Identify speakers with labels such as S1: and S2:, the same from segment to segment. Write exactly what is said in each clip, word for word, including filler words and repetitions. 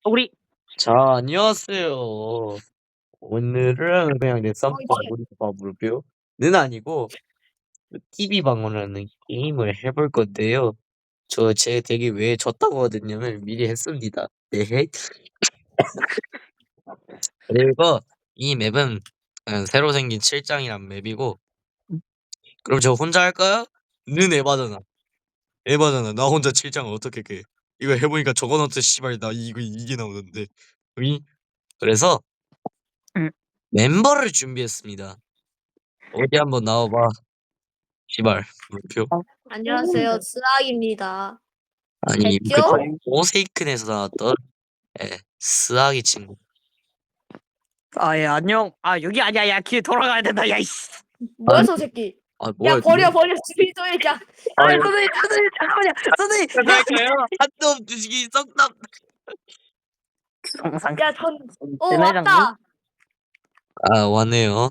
S1: 우리
S2: 자, 안녕하세요. 오늘은 그냥 내 쌈밥 우리밥으로는 아니고 티비 방어라는 게임을 해볼 건데요. 저 제 덱이 왜 졌다고 하더냐면 미리 했습니다. 네. 그리고 이 맵은 그냥 새로 생긴 칠 장이란 맵이고 그럼 저 혼자 할까요? 는 에바잖아. 에바잖아. 나 혼자 칠 장을 어떻게 깨? 이거 해보니까 저거너트 씨발 나 이거 이게 나오던데. 이 그래서
S1: 응.
S2: 멤버를 준비했습니다. 어디 한번 나와봐. 씨발 물표.
S3: 안녕하세요, 스악입니다.
S2: 아니 그
S3: 됐죠?
S2: 오세이큰에서 나왔던 예, 스아기 친구.
S1: 아예 안녕. 아 여기 아니야. 야 길 돌아가야 된다. 야 이씨.
S3: 뭐야, 저 새끼?
S2: 아 뭐야?
S3: 야, 버려, 버려. 주의소에 야.
S1: 아
S2: 아,
S1: 선생님 선생님 잠깐만요. 선생님.
S2: 할까요? 한놈 주식이 썩남.
S1: 정상.
S3: 야, 전, 어,
S1: 네,
S3: 왔다.
S2: 아 왔네요.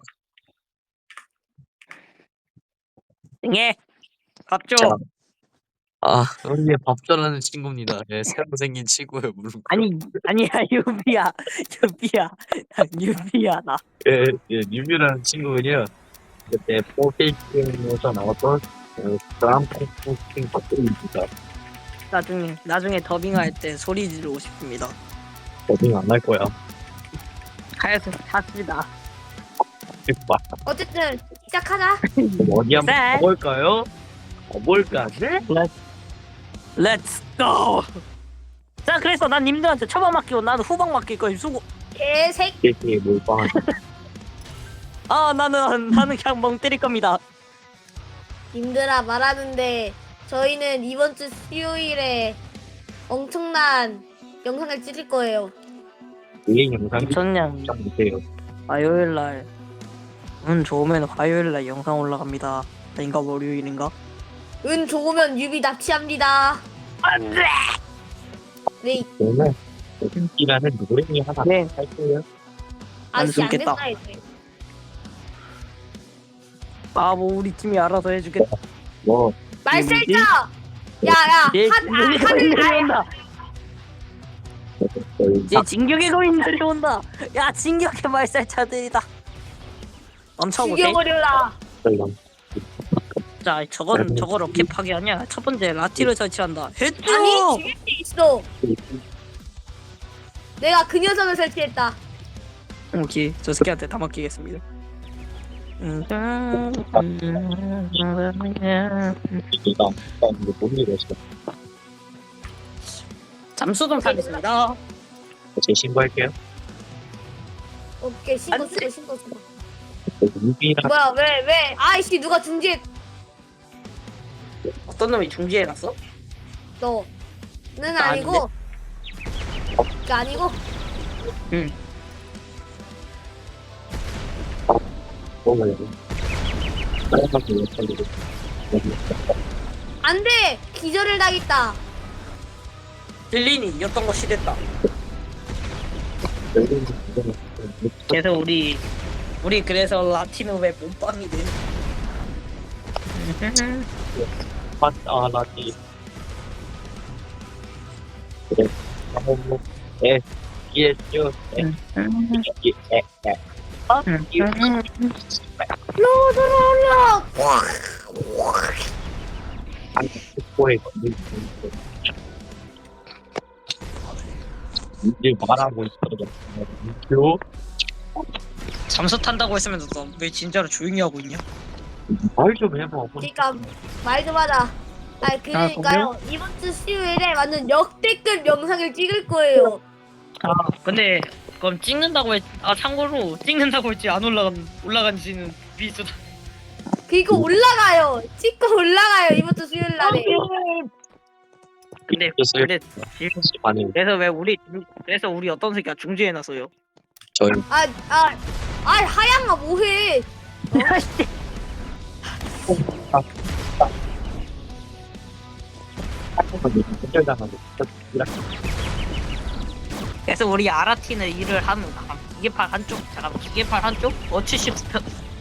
S1: 예. 밥줘.
S2: 자, 아 우리의 밥전하는 친구입니다. 예, 새로 생긴 친구예요 물론.
S1: 아니 아니야 유비야 유비야 유비야 나.
S2: 예, 예 뉴뮤라는 친구군요. 그때 오세이큰에서 나왔던 드람프킹 박들입니다.
S1: 나중에 나중에 더빙할 때 소리 지르고 싶습니다.
S2: 더빙 안 할 거야.
S1: 하여튼 샀습니다.
S2: 막
S3: 어쨌든, 시작하자.
S2: 어디 한번
S1: 네.
S2: 가볼까요? 가볼까? 네?
S1: 렛츠 고. 자 그래서 난 님들한테 처방 맡기고 나는 후방 맡길 거야. 수고.
S3: 개새끼.
S2: 이게 몰빵하지.
S1: 아 나는 나는 그냥 멍 때릴 겁니다.
S3: 님들아, 말하는데, 저희는 이번 주 수요일에 엄청난 영상을 찍을 거예요.
S2: 이 영상이
S1: 전냥
S2: 좀 보세요.
S1: 화요일 날. 운 좋으면 화요일 날 영상 올라갑니다. 아닌가 월요일인가?
S3: 은 좋으면 유비 납치합니다.
S1: 안돼.
S3: 네,
S2: 오늘 오승기라는 노래이 하나
S1: 네.
S2: 할 거예요.
S3: 아저씨 안
S1: 숨겠다.
S3: 됐다 했대.
S1: 아뭐 우리 팀이 알아서 해주겠다.
S2: 뭐
S3: 말살자! 야, 야,
S1: 얘
S3: 한, 아,
S1: 진격의 거인
S3: 하늘, 아,
S1: 내려온다. 얘 진격의 거인 내려온다. 야 진격의 말살차들이다. 멈춰보세.
S3: 죽여버려라.
S1: 자 저건 저거 로켓 파괴 아니야. 첫 번째 라티를 설치한다. 했죠.
S3: 아니, 죽일 수 있어. 내가 그 녀석을 설치했다.
S1: 오케이 저 새끼한테 다 맡기겠습니다.
S2: 내가 이거 못 읽었어.
S1: 잠수 좀 타겠습니다.
S2: 제 신고할게요.
S3: 오케이, 신고
S1: 안
S3: 쓰고 신고 쓰고.
S2: 유비랑
S3: 뭐야, 왜, 왜? 아이씨, 누가 중지해?
S1: 어떤 놈이 중지해놨어?
S3: 너는
S1: 나
S3: 아니고. 그 아니고.
S1: 응.
S2: 뭐가요? 빨간색 왜
S3: 안 돼! 기절을 당했다.
S1: 딜린이 였던 거 시됐다.
S2: 빨간색
S1: 그래서 우리 우리 그래서 라티노 왜 몸빵이 돼?
S2: 아 나지. 그래. 한번 에 이에죠. 에 에. 아,
S3: 로드롤러!
S2: 안 코에 걸린 이제 말하고 있어.
S1: 잠수 탄다고 했으면 너 왜 진짜로 조용히 하고 있냐?
S2: 말좀 해봐.
S3: 그니까, 말 좀 하자. 아니, 그러니까요. 이번 주 수요일에 완전 역대급 영상을 찍을 거예요.
S1: 아 근데 그럼 찍는다고 했. 아 참고로 찍는다고 했지 안 올라간 올라간지는 비수다.
S3: 그니까 올라가요. 찍고 올라가요. 이번 주 수요일 날에.
S1: 근데 근데
S2: 아니
S1: 그래서 왜 우리 그래서 우리 어떤 새끼가 중지해놨어요?
S2: 저희
S3: 아, 아, 아, 하양아, 뭐해?
S2: 혼절당하고
S1: 그래서 우리 아라티는 일을 하는 기계팔 한쪽 잠깐만 기계팔 한쪽 어 칠십구 편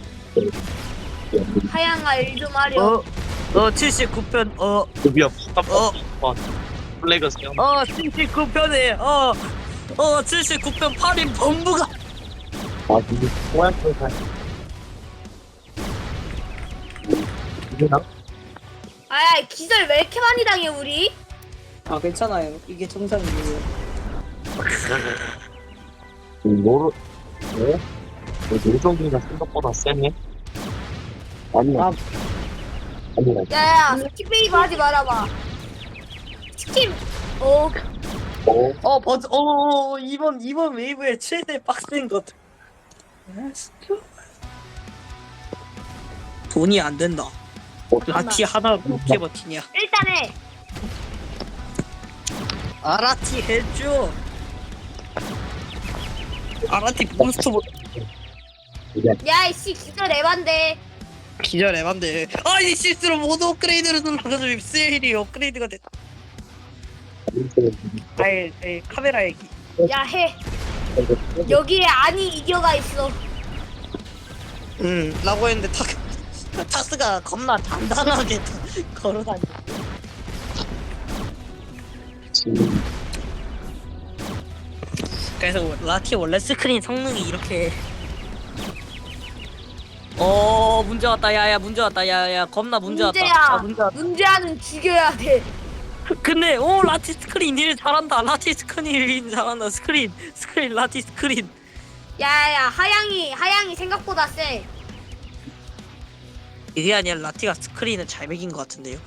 S3: 하양아, 일 좀 하려.
S1: 어어 칠십구 편 어어
S2: 드디어
S1: 어.
S2: 플래그 세운
S1: 칠십구 편에 어
S2: 어 칠십구 편 팔 인 범부가.
S4: 아 이게 뭐야 그거 이게나?
S3: 아 기절 왜 이렇게 많이 당해 우리?
S5: 아 괜찮아요. 이게 정상이에요.
S4: 노루 어? 노정이가 생각보다 세네? 아니야
S5: 아.
S4: 아니야
S3: 야야 스킵베이브 하지 말아봐. 스킵. 어
S4: 어?
S5: 어 버즈 어 이번 이번 웨이브의 최대 빡센 것. 돈이 안 된다. 라티 하나 어떻게 버티냐?
S3: 일단해.
S5: 아라티 해줘. 아라티 몬스터 보.
S3: 야이씨 기절 에반데.
S5: 기절 에반데. 아이 실수로 모드 업그레이드를 눌러가지고 세일이 업그레이드가 됐다. 아이 아이 카메라 얘기.
S3: 야 해. 여기에 안이 이겨가 있어.
S5: 음 라고 했는데 타 타스가 겁나 단단하게 걸어다니. 그래서 라티 원래 스크린 성능이 이렇게. 어 문제 왔다 야야 문제 왔다 야야 겁나 문제 왔다.
S3: 문제야.
S5: 아, 문제 왔다.
S3: 문제아는 죽여야 돼.
S5: 근데 오 라티 스크린 일 잘한다. 라티 스크린 일 잘한다. 스크린 스크린 라티 스크린.
S3: 야야 하양이 하양이 생각보다 세.
S5: 이게 아니라 라티가 스크린을 잘 매긴 것 같은데요.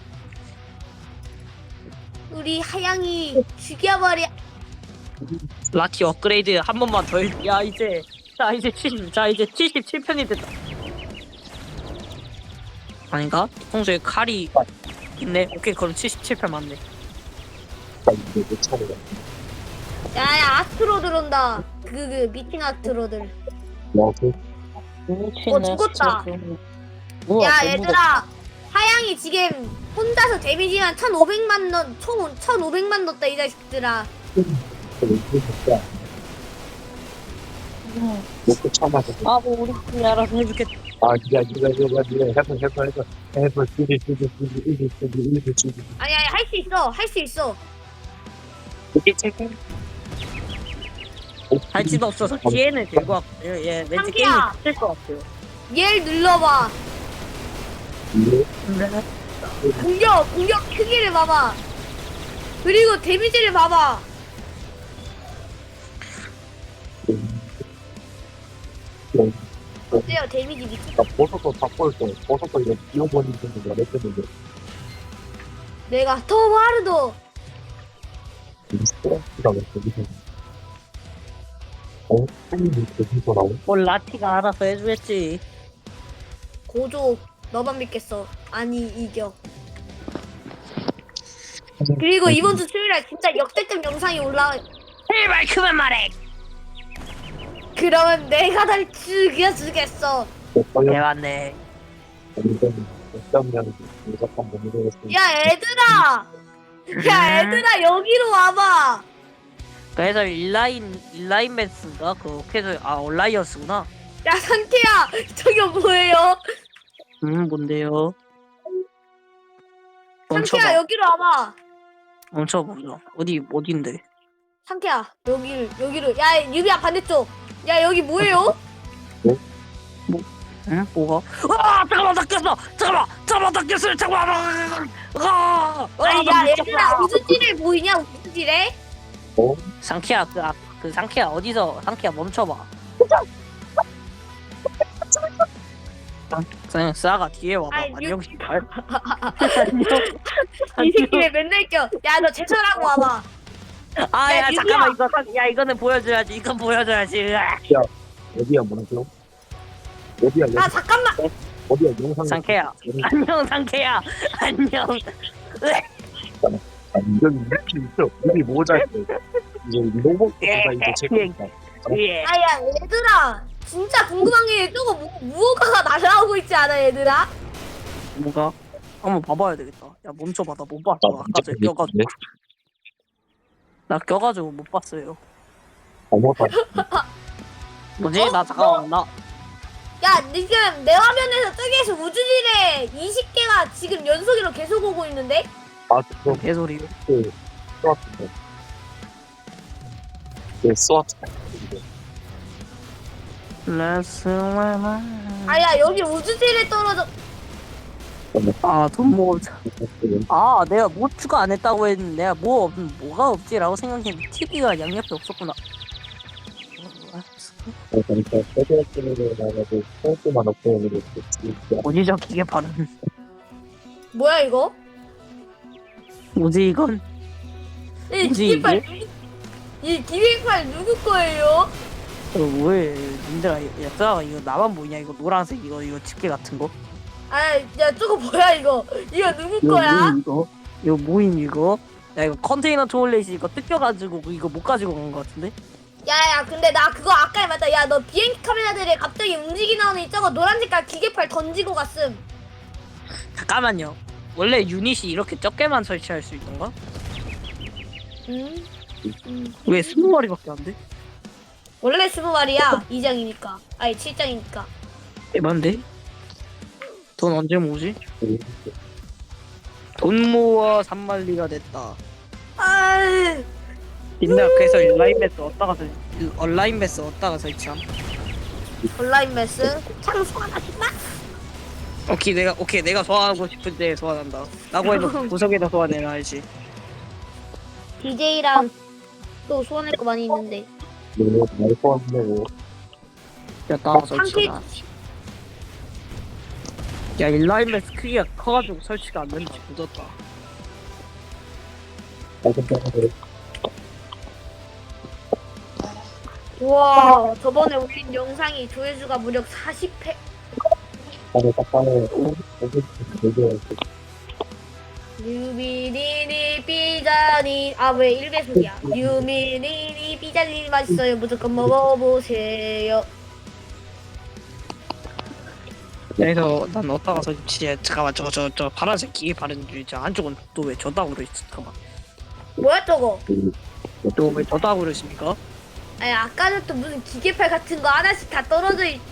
S3: 우리 하양이 죽여버려.
S5: 라티 업그레이드 한 번만 더. 해. 야 이제 자 이제 칠십 자 이제 칠십칠 편이 됐다. 아닌가? 평소에 칼이 있네. 오케이 그럼 칠십칠 편 맞네.
S3: 야야 아스트로 들어온다. 그 그 미팅 아스트로들.
S4: 뭐그
S3: 어 죽었다. 야 얘들아 하양이 지금 혼자서 데미지만 천오백만 넣, 총 천오백만 넣었다 이 자식들아.
S4: 먹고 참아서
S5: 아뭐 우리 팀이 알아서 해주겠다.
S4: 아 니가 니가 니가 니가 해봐 해봐 해봐 해봐 찌리 찌리 찌리 찌리 찌리 찌리 찌리
S3: 아니 아니 할 수 있어 할 수 있어.
S4: 이게 책임
S5: 할 수도 없어서 기회는 될것 같고요. 예 왠지 게임이
S3: 상기야.
S5: 될것 같아요.
S3: 얘를 눌러봐.
S4: 이게
S3: 공격 공격 크기를 봐봐. 그리고 데미지를 봐봐. 어때요 데미지 미친.
S4: 나 버섯도 다 꼴때 버섯도 이거 비워버리는 거 그랬는데
S3: 내가 더 마르도.
S4: 스트레스가 왜 거기서 어? 한입이 거기서 나오?
S5: 뭘 라티가 알아서 해주겠지.
S3: 고조 너만 믿겠어. 아니 이겨. 그리고 이번 주 수요일에 진짜 역대급 영상이 올라.
S5: 제발 그만 말해.
S3: 그러면 내가 날 죽여주겠어.
S5: 대왔네.
S4: 몇점년 무조건 못 이기겠어.
S3: 야 얘들아. 야 얘들아 여기로 와봐.
S5: 그래서 인라인 인라인 매스인가 그 그래서 아 온라이언스구나.
S3: 야 상태야 저게 뭐예요?
S5: 음 뭔데요?
S3: 상태야
S5: 멈춰봐.
S3: 여기로 와봐.
S5: 멈춰보자. 어디 어딘데?
S3: 상태야 여기를 여기로. 야 유비야 반대쪽. 야 여기 뭐예요?
S5: 응? 뭐가? 아 잠깐만 나 꼈어. 잠깐만 잠깐만 나 꼈어. 잠깐만. 아,
S3: 아니
S5: 나
S3: 야
S5: 미쳤다.
S3: 얘들아 우주지뢰 보이냐 우주지뢰?
S4: 어?
S5: 상키야 그, 아, 그 상키야 어디서 상키야 멈춰봐. 그냥 싸가 뒤에 와봐.
S3: 아이,
S5: 안녕 씨발.
S3: 이 새끼 왜 맨날 껴? 야 너 제철하고 와봐.
S5: 아야
S3: 야,
S5: 잠깐만
S3: 유비야.
S5: 이거 상- 야 이거는 보여줘야지. 이건 보여줘야지. 으악.
S4: 어디야 뭐라고요? 어디야
S3: 아 잠깐만.
S4: 어디야 영상
S5: 상쾌야. 안녕 상쾌야. 안녕.
S4: 이건 이렇게 있어 우리 모자 이제 로봇가 이제 제거니까
S5: 예.
S3: 아야 얘들아 진짜 궁금한 게 저거 무, 무허가가 날아오고 있지 않아 얘들아?
S5: 뭐가? 한번 봐봐야 되겠다. 야 멈춰봐 나 못 봤어. 아까 전에
S4: 이제
S5: 껴가지고 나 껴가지고 못 봤어요.
S4: 어머다
S5: 뭐지?
S3: 어?
S5: 나 잠깐만 나
S3: 야 지금 내 화면에서 저기에서 우주지뢰 이십 개가 지금 연속으로 계속 오고 있는데?
S4: 아 그거
S5: 개소리.
S4: 그 좋았는데 그 스와트.
S5: Let's
S3: 아야 여기 우주지에 떨어져.
S5: 아돈 모으자. 아 내가 뭐 추가 안 했다고 했는데 내가 뭐 없, 뭐가 없지라고 생각했는데 티비가 양옆에 없었구나.
S4: 그러니까 세계적으로 나가고 포스만 없고 오는 게 진짜.
S5: 어디저 기계 발음.
S3: 뭐야 이거?
S5: 뭐지 이건?
S3: 이
S5: 뭐지,
S3: 기계팔 누구? 이 기계팔 누구 거예요?
S5: 어, 뭐해 님들아 얘들아 이거 나만 보이냐 이거 노란색 이거 이거 집게 같은 거?
S3: 아야 저거 뭐야 이거? 이거 누구
S5: 이거
S3: 거야?
S5: 뭐임 이거? 이거 뭐임 이거? 야 이거 컨테이너 투어렛이 이거 뜯겨가지고 이거 못 가지고 간 거 같은데?
S3: 야야 근데 나 그거 아까 맞다. 야 너 비행기 카메라들이 갑자기 움직이나오니 저거 노란 색깔 기계팔 던지고 갔음.
S5: 잠깐만요. 원래 유닛이 이렇게 적게만 설치할 수 있던가?
S3: 음? 음.
S5: 왜 스무 마리밖에 안 돼?
S3: 원래 스무 마리야. 이 장이니까. 아니 칠 장이니까.
S5: 에반데? 돈 언제 모으지? 돈 모아 삼만리가 됐다.
S3: 아이.
S5: 옛날 그래서 온라인 매스 어디다가 설 온라인 매스 어디다가 설치함?
S3: 온라인 매스 창소하나 싶나?
S5: 오케이 내가 오케이 내가 소환하고 싶을 때 소환한다. 라고 해도 구석에다 소환해놔야지.
S3: 디제이랑 또 소환할 거 많이 있는데.
S4: 너무 잘 포함되고.
S5: 야 따라
S3: 상태
S5: 설치다. 야 인라인 매스 크기가 커가지고 설치가 안 되는지 묻었다.
S3: 와 저번에 올린 영상이 조회수가 무려 사십 회.
S4: 다들 딱하네.
S3: 유미니니 삐자니 아 왜 일 배속이야? 유미니니 삐자니 맛있어요. 무조건 먹어보세요.
S5: 그래서 난 어디다가 설치해? 잠깐만 저거 저 저 파란색 기계 바른 줄 있잖아. 한쪽은 또 왜 저따구로 있어? 잠깐만.
S3: 뭐야 저거?
S5: 또 왜 저따구로 있습니까?
S3: 아니 아까 전또 무슨 기계팔 같은 거 하나씩 다 떨어져 있.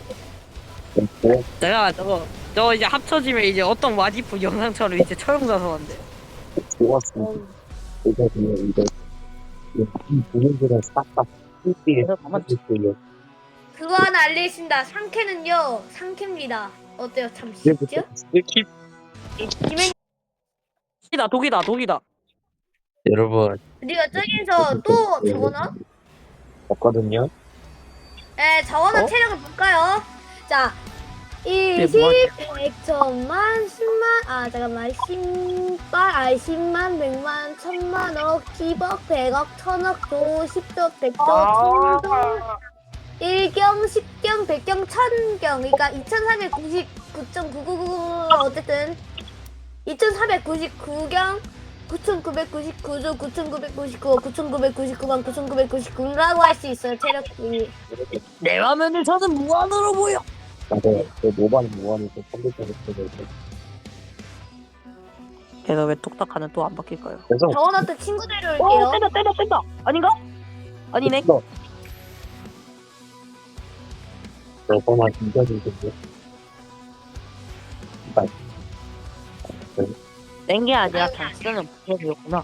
S5: 내가 저거 저거 이제 합쳐지면 이제 어떤 와디프 영상처럼 이제 처형사서 한대.
S4: 좋았어.
S3: 어.
S4: 이거 그냥 이거 이 부분들은 싹다 삐삐에 맞췄어요.
S3: 그거 하나 알리신다. 상캐는요 상캐입니다. 어때요? 참 쉽죠?
S4: 스킵.
S3: 김행
S5: 독이다 독이다 독이다.
S2: 여러분
S3: 우리가 저기서 또 적어놔?
S4: 없거든요.
S3: 네, 적어놓은
S5: 어?
S3: 체력을 볼까요? 자, 일,
S5: 네,
S3: 십,
S5: 뭐
S3: 백, 천만, 십만, 아, 잠깐만, 십만, 아, 십만, 백만, 천만, 억, 십억, 백억, 천억, 조, 십조, 백조, 천조, 일경, 십경, 백경, 천경, 그러니까 이천사백구십구 점 구구구구, 어쨌든, 이천사백구십구 경, 구천구백구십구 조, 구천구백구십구, 구천구백구십구만, 구천구백구십구라고 할 수 있어요, 체력이.
S5: 내 화면을 저는 무한으로 보여.
S4: 맞아요. 그 모바일 모바일에서 컴퓨터를 쓰고
S5: 걔가 왜 톡딱하는 또 안 바뀔까요?
S4: 그래서
S3: 적어놨던 친구대로
S5: 어
S3: 올게요.
S5: 뗀다 뗀다 뗀다 아닌가? 아니네.
S4: 저거만 이겨주는데.
S5: 뗀 게 아니라 단수는 부서졌구나.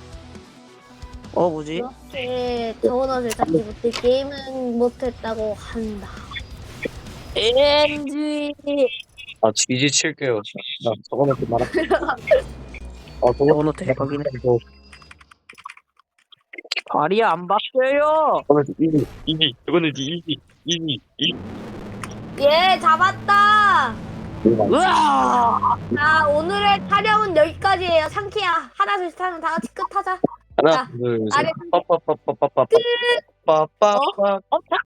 S5: 어 뭐지?
S3: 이렇게 적어놓을 잡지 못해 게임은 못했다고 한다.
S5: 엔지
S2: 아 지지 칠게요.
S4: 나 저거는 좀 말아. 어 저거
S5: 저거는 대박이네.
S4: 저
S5: 발이 안 바뀌어요.
S4: 저거는 이기 이기 저거는 이기 이기 이기.
S3: 예, 잡았다.
S5: 으아!
S3: 자, 오늘의 촬영은 여기까지예요. 상키야, 하나 둘셋 하면 다 같이 끝하자.
S2: 하나
S3: 자,
S2: 둘셋
S3: 아래
S2: 빠빠빠빠빠빠 빠빠빠
S5: 어? 자,